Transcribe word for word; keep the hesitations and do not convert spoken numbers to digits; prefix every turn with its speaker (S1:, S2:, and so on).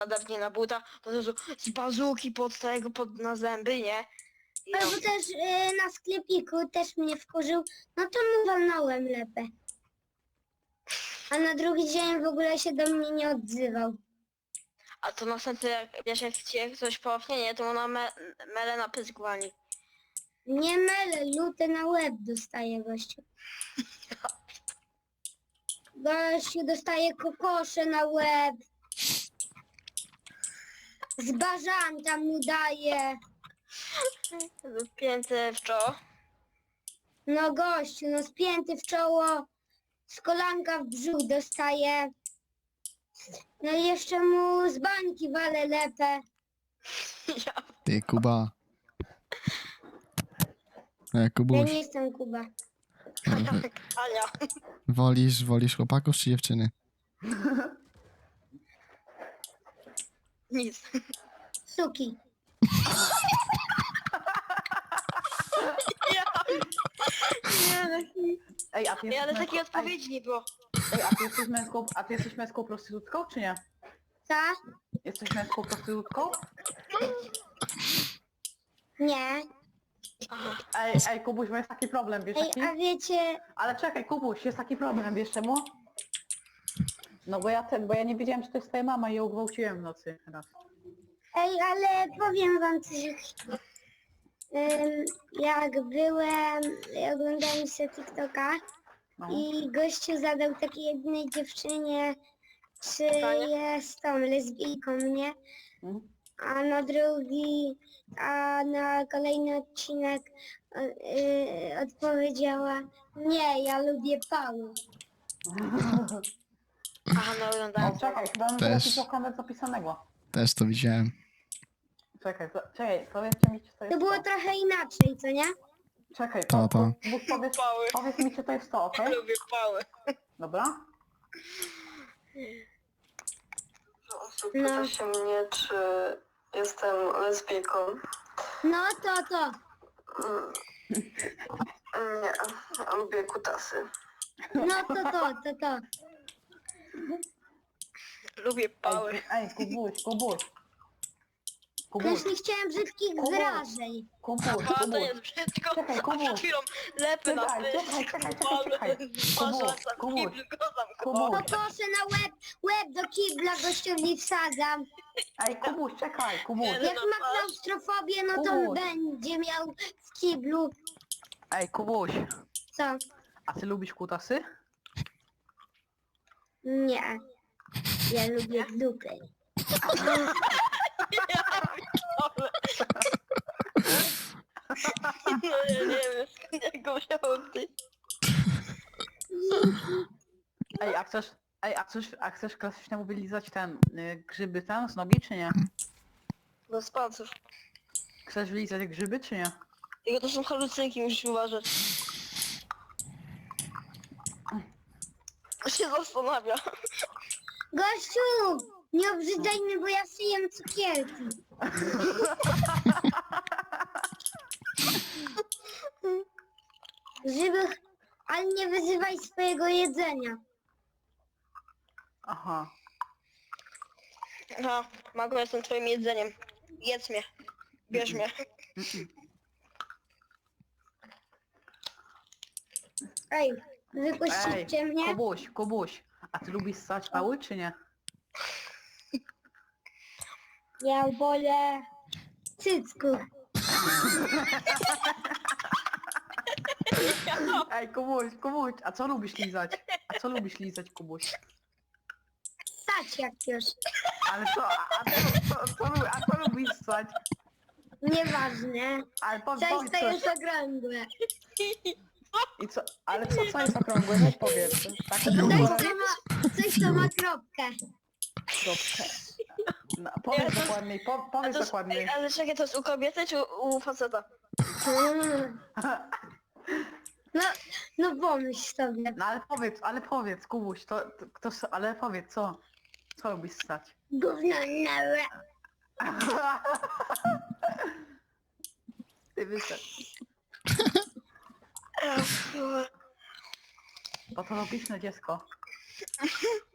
S1: nadawnie na buta, to od razu z bazuki pod tego, pod na zęby, nie? I
S2: Albo też y, na sklepiku też mnie wkurzył, no to mu walnąłem lepę. A na drugi dzień w ogóle się do mnie nie odzywał.
S1: A to następny, jak, wiesz, jak ci coś połapnie, nie, to ona me, mele na pysk wali.
S2: Nie mylę, lutę na łeb dostaje gościu. Gościu dostaje kokosze na łeb. Z bażanta mu daje.
S1: Pięty w czoło.
S2: No gościu, no spięty w czoło. Z kolanka w brzuch dostaje. No i jeszcze mu z bańki walę lepę.
S1: Ja,
S3: Ty, Kuba. E,
S2: Ja
S3: Kubuś,
S2: nie jestem Kuba.
S1: Ania.
S3: wolisz, wolisz chłopaków czy dziewczyny?
S1: Nic.
S2: Suki.
S1: Ja. Nie, taki...
S4: Ej, a ty
S1: Nie,
S4: jesteś
S1: ale
S4: męską...
S1: takiej odpowiedzi nie było.
S4: Ej, a ty jesteś męską, a ty jesteś męską prostytutką, czy nie?
S2: Co?
S4: Jesteś męską prostytutką?
S2: Nie.
S1: Aha.
S4: Ej, ej, Kubuś, bo jest taki problem, wiesz
S2: Ej,
S4: jaki?
S2: a wiecie,
S4: Ale czekaj, Kubuś, jest taki problem, wiesz czemu? No bo ja ten, bo ja nie wiedziałem, czy to jest twoja mama i ją gwałciłem w nocy raz.
S2: ej, ale powiem wam coś. Ym, Jak byłem, oglądałem się TikToka
S4: No.
S2: i gościu zadał takiej jednej dziewczynie, czy
S1: Pytanie?
S2: jest tą lesbijką, nie?
S4: Mhm.
S2: A na drugi, a na kolejny odcinek o- y, odpowiedziała, nie, ja lubię Paulu.
S1: Aha, no oglądałem.
S4: O, czekaj, chyba mam
S3: Też.
S4: teraz koniec zapisanego.
S3: Też to widziałem.
S4: Czekaj, to, czekaj, powiedzcie mi, czy to jest
S2: To było
S4: to.
S2: trochę inaczej, co nie?
S4: Czekaj,
S3: To,
S4: po,
S3: to.
S4: po, Bóg, powiedz,
S1: Pały.
S4: powiedz mi, czy to jest to, okej?
S1: Lubię pały.
S4: Dobra?
S5: Osób
S2: No.
S5: pyta się mnie, czy jestem lesbijką.
S2: No to to.
S5: Mm, Nie, lubię kutasy.
S2: No to to, to to.
S1: Lubię pały.
S4: Ej, ej, Kubuś, Kubuś. Kubuś,
S2: Też nie chciałem brzydkich
S4: Kubuś.
S2: wyrażeń.
S4: Kubuś,
S1: A to
S4: Kubuś.
S1: jest brzydko,
S4: Czekaj,
S1: a
S4: Kubuś.
S1: przed chwilą lepy na
S4: Czekaj,
S1: pysk.
S4: czekaj, czekaj, czekaj,
S1: Pały.
S4: czekaj.
S1: Boże,
S4: Kubuś,
S1: sam
S4: Kubuś.
S1: kiblu go zamknął.
S4: Kubuś.
S2: Kokosze na łeb, łeb do kibla gościowi wsadzam.
S4: Ej, Kubuś, czekaj, Kubuś.
S1: Nie,
S2: Jak ma klaustrofobię, no to
S4: Kubuś.
S2: będzie miał w kiblu.
S4: Ej, Kubuś.
S2: Co?
S4: A ty lubisz kutasy?
S2: Nie. Ja lubię dupy.
S1: No ja nie wiem, skąd jak go wziął ty.
S4: Ej, a chcesz, ej, a chcesz, a chcesz klasycznemu wylizać ten, y, grzyby ten z nogi, czy nie?
S1: No z palców.
S4: Chcesz wylizać grzyby, czy nie?
S1: Jego to są halucynki, musisz uważać. Się zastanawia.
S2: Gościu! Nie obrzydzaj mnie, bo ja syjem cukierki. Żeby... Ale nie wyzywaj swojego jedzenia.
S4: Aha.
S1: Aha, Mago, jestem twoim jedzeniem. Jedz mnie. Bierz mnie.
S2: Ej,
S4: Ej,
S2: wypuścicie mnie?
S4: Kubuś, Kubuś. A ty lubisz ssać pały, czy nie?
S2: Ja wolę cycku.
S4: Ej, Kubuś, Kubuś, a co lubisz lizać? A co lubisz lizać, Kubuś?
S2: Stać jak już.
S4: Ale co, a, a, co, co, co, lu- a co lubisz ssać?
S2: Nieważne.
S4: Ale po,
S2: Coś
S4: powiedz
S2: to
S4: coś.
S2: jest okrągłe.
S4: I co, ale co, co jest okrągłe? Weź powiedz. Tak,
S2: Coś, co ma, coś, co ma kropkę.
S4: Dobrze. No, powiedz
S1: Ja to-
S4: dokładniej, po,
S1: A
S4: powiedz
S1: to jest,
S4: dokładniej.
S1: ej, ale czekaj, to jest u kobiety czy u, u faceta?
S2: Mm. No, no pomyśl sobie.
S4: No ale powiedz, ale powiedz, Kubuś, to, to, to s- ale powiedz, co? Co lubisz ssać?
S2: Gówno na łeb.
S4: Ty wyszedł. Patologiczne dziecko.